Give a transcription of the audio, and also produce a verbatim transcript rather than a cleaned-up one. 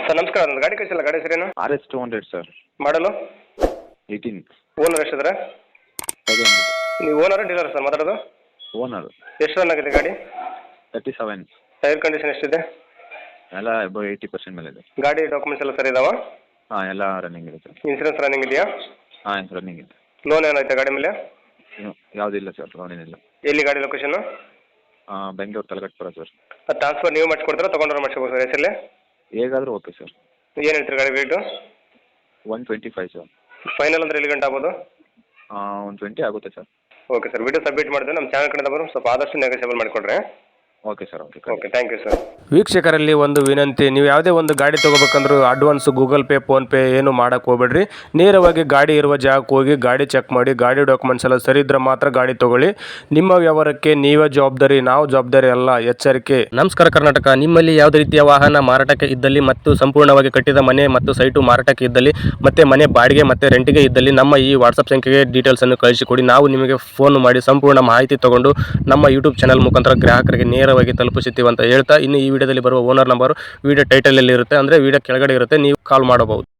Sir ನಮಸ್ಕಾರ, ಒಂದು ಗಾಡಿ ಕಳಿಸಿಲ್ಲ, ಗಾಡಿ ಹೆಸರೇನು? R S two hundred sir. ಮಾಡಲು ಏಯ್ಟೀನ್. ಓನರ್ ಎಷ್ಟಿದ್ರೆ? ಸೆಕೆಂಡ್. ನೀವು ಓನರ್ ಡೀಲರ್ ಸರ್ ಮಾತಾಡೋದು? ಓನರ್. ಎಷ್ಟು ರನ್ ಆಗಿದೆ ಗಾಡಿ? Thirty seven. ಟೈರ್ ಕಂಡೀಷನ್ ಎಷ್ಟಿದೆ? ಎಲ್ಲ ಅಬೌವ್ ಏಯ್ಟಿ ಪರ್ಸೆಂಟ್ ಮೇಲೆ ಇದೆ. ಗಾಡಿ ಡಾಕ್ಯುಮೆಂಟ್ಸ್ ಎಲ್ಲ ಸರಿ ಇದಾವ? ಹಾಂ, ಎಲ್ಲ ರನ್ನಿಂಗ್ ಇದೆ ಸರ್. ಇನ್ಸೂರೆನ್ಸ್ ರನ್ನಿಂಗ್ ಇದೆಯಾ? ಹಾಂ, ರನ್ನಿಂಗ್ ಇದೆ. ಲೋನ್ ಏನಾಯ್ತಾ ಗಾಡಿ ಮೇಲೆ? ಯಾವುದಿಲ್ಲ ಸರ್, ಲೋನ್ ಏನಿಲ್ಲ. ಎಲ್ಲಿ ಗಾಡಿ ಲೊಕೇಶನ್? ಬೆಂಗಳೂರು ತಲಗಟ್ಪುರ ಸರ್. ಅದು ಟ್ರಾನ್ಸ್ಫರ್ ನೀವು ಮಾಡಿಸ್ಕೊಡ್ತೀರಾ, ತೊಗೊಂಡ್ರೆ ಮಾಡಿಸ್ಕೋಬೋದು ಸರ್ ಹೆಸರಲ್ಲೇ? ಹೇಗಾದರೂ ಓಕೆ ಸರ್. ಏನು ಹೇಳ್ತೀರಿ ಗಾಡಿ rate? One twenty five sir. Final ಅಂದರೆ ಎಲ್ಲಿ ಗಂಟೆ ಆಗ್ಬೋದು? ಒನ್ ಟ್ವೆಂಟಿ ಆಗುತ್ತೆ sir. Okay sir, video submit ಮಾಡಿದ್ರೆ ನಮ್ಮ ಚಾನಲ್ ಕಡೆಯಿಂದ ಬರೋ ಸ್ವಲ್ಪ ಆದಷ್ಟು ನೆಗೋಸಿಯಬಲ್ ಮಾಡಿಕೊಡ್ರಿ. Okay sir. Okay okay, thank you sir. ವೀಕ್ಷಕರಲ್ಲಿ ಒಂದು ವಿನಂತಿ, ನೀವು ಯಾವುದೇ ಒಂದು ಗಾಡಿ ತೊಗೋಬೇಕಂದ್ರೂ ಅಡ್ವಾನ್ಸ್ ಗೂಗಲ್ ಪೇ ಫೋನ್ಪೇ ಏನು ಮಾಡೋಕ್ಕೆ ಹೋಗ್ಬೇಡ್ರಿ. ನೇರವಾಗಿ ಗಾಡಿ ಇರುವ ಜಾಗಕ್ಕೆ ಹೋಗಿ ಗಾಡಿ ಚೆಕ್ ಮಾಡಿ, ಗಾಡಿ ಡಾಕ್ಯುಮೆಂಟ್ಸ್ ಎಲ್ಲ ಸರಿ ಇದ್ರೆ ಮಾತ್ರ ಗಾಡಿ ತೊಗೊಳ್ಳಿ. ನಿಮ್ಮ ವ್ಯವಹಾರಕ್ಕೆ ನೀವೇ ಜವಾಬ್ದಾರಿ, ನಾವು ಜವಾಬ್ದಾರಿ ಅಲ್ಲ, ಎಚ್ಚರಿಕೆ. ನಮಸ್ಕಾರ ಕರ್ನಾಟಕ. ನಿಮ್ಮಲ್ಲಿ ಯಾವುದೇ ರೀತಿಯ ವಾಹನ ಮಾರಾಟಕ್ಕೆ ಇದ್ದಲ್ಲಿ ಮತ್ತು ಸಂಪೂರ್ಣವಾಗಿ ಕಟ್ಟಿದ ಮನೆ ಮತ್ತು ಸೈಟು ಮಾರಾಟಕ್ಕೆ ಇದ್ದಲ್ಲಿ ಮತ್ತು ಮನೆ ಬಾಡಿಗೆ ಮತ್ತು ರೆಂಟಿಗೆ ಇದ್ದಲ್ಲಿ ನಮ್ಮ ಈ ವಾಟ್ಸಪ್ ಸಂಖ್ಯೆಗೆ ಡೀಟೇಲ್ಸನ್ನು ಕಳಿಸಿಕೊಡಿ. ನಾವು ನಿಮಗೆ ಫೋನ್ ಮಾಡಿ ಸಂಪೂರ್ಣ ಮಾಹಿತಿ ತಗೊಂಡು ನಮ್ಮ ಯೂಟ್ಯೂಬ್ ಚಾನಲ್ ಮುಖಾಂತರ ಗ್ರಾಹಕರಿಗೆ ನೇರವಾಗಿ ತಲುಪಿಸುತ್ತೀವಿ ಅಂತ ಹೇಳ್ತಾ, ಇನ್ನು ಈ ವಿಡಿಯೋದಲ್ಲಿ ಬರುವ ಓನರ್ ನಂಬರ್ ವಿಡಿಯೋ ಟೈಟಲಲ್ಲಿ ಇರುತ್ತೆ, ಅಂದರೆ ವಿಡಿಯೋ ಕೆಳಗಡೆ ಇರುತ್ತೆ, ನೀವು ಕಾಲ್ ಮಾಡಬಹುದು.